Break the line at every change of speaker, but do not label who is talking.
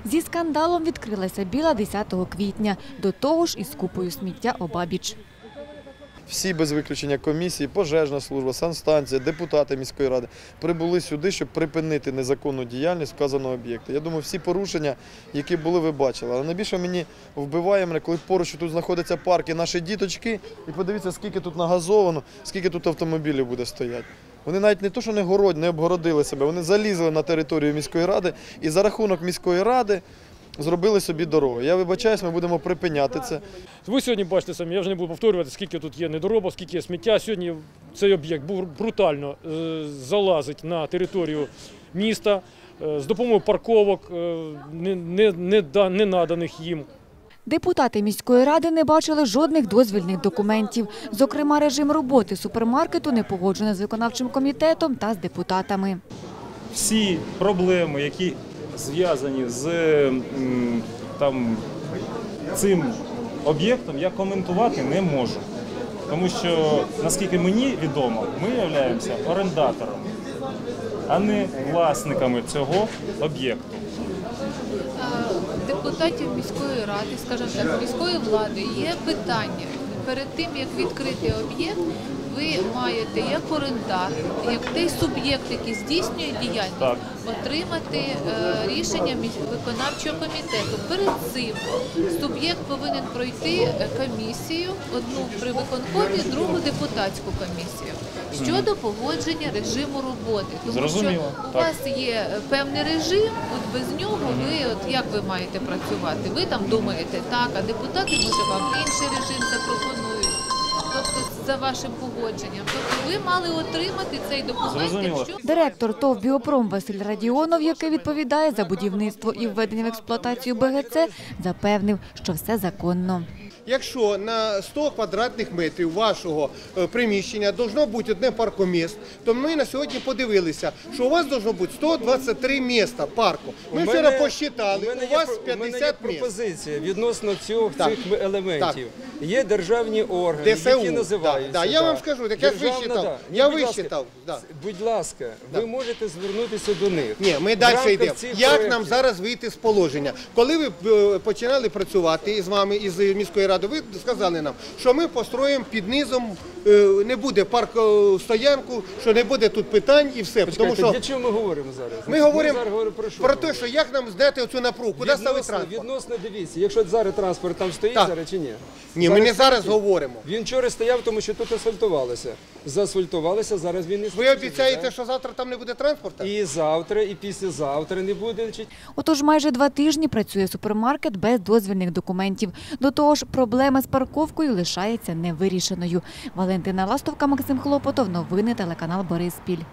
Зі скандалом відкрилася Біла 10 квітня, до того ж із купою сміття обабіч.
Всі без виключення комісії, пожежна служба, санстанція, депутати міської ради прибули сюди, щоб припинити незаконну діяльність вказаного об'єкту. Я думаю, всі порушення, які були, ви бачили. Але найбільше мені вбиває мене, коли поруч тут знаходяться парки, наші діточки, і подивіться, скільки тут нагазовано, скільки тут автомобілів буде стояти. Вони навіть не то, що не обгородили себе, вони залізли на територію міської ради і за рахунок міської ради зробили собі дорогу. Я вибачаюсь, ми будемо припиняти це.
Ви сьогодні бачите самі, я вже не буду повторювати, скільки тут є недоробок, скільки є сміття. Сьогодні цей об'єкт брутально залазить на територію міста з допомогою парковок, не наданих їм.
Депутати міської ради не бачили жодних дозвільних документів. Зокрема, режим роботи супермаркету не погоджено з виконавчим комітетом та з депутатами.
Всі проблеми, які зв'язані з цим об'єктом, я коментувати не можу. Тому що, наскільки мені відомо, ми являємося орендатором, а не власниками цього об'єкту.
Депутатів міської ради, скажімо так, міської влади є питання. Перед тим, як відкрити об'єкт, ви маєте як орендар, як той суб'єкт, який здійснює діяльність, отримати рішення виконавчого комітету. Перед цим суб'єкт повинен пройти комісію, одну при виконкомі, другу депутатську комісію, щодо погодження режиму роботи. Тому що у вас є певний режим, от без нього як ви маєте працювати? Ви там думаєте так, а депутати, може, вам інший режим запропонують. Тобто за вашим погодженням. Тобто ви мали отримати цей документ.
Директор ТОВ «Біопром» Василь Радіонов, який відповідає за будівництво і введення в експлуатацію БГЦ, запевнив, що все законно.
Якщо на 100 квадратних метрів вашого приміщення має бути одне паркомісце, то ми на сьогодні подивилися, що у вас має бути 123 місця парку. Ми вчора посчитали, у вас 50 місць.
У мене є пропозиція відносно цих елементів. Є державні органи, які називаються.
Я вам скажу, так я вичитав. Я вичитав.
Будь ласка, ви можете звернутися до них.
Ні, ми далі йдемо. Як нам зараз вийти з положення? Коли ви починали працювати з вами, із міської ради, ви сказали нам, що ми построїмо під низом, не буде парк-стоянку, що не буде тут питань і все.
Для чого ми говоримо зараз?
Ми говоримо про те, що як нам зняти оцю напругу, куди ставити транспорт.
Відносно, дивіться, якщо зараз транспорт там стоїть зараз чи ні?
Ні, ми не зараз говоримо.
Він вчора стояв, тому що тут асфальтувалося. Заасфальтувалося, зараз він не стоїть.
Ви обіцяєте, що завтра там не буде транспорту?
І завтра, і післязавтра не буде.
Отож, майже 2 тижні працює супермаркет без дозвільних документів. До того ж, проблема з парковкою лишається невирішеною. Валентина Ластовка, Максим Хлопотов. Новини телеканал Бориспіль.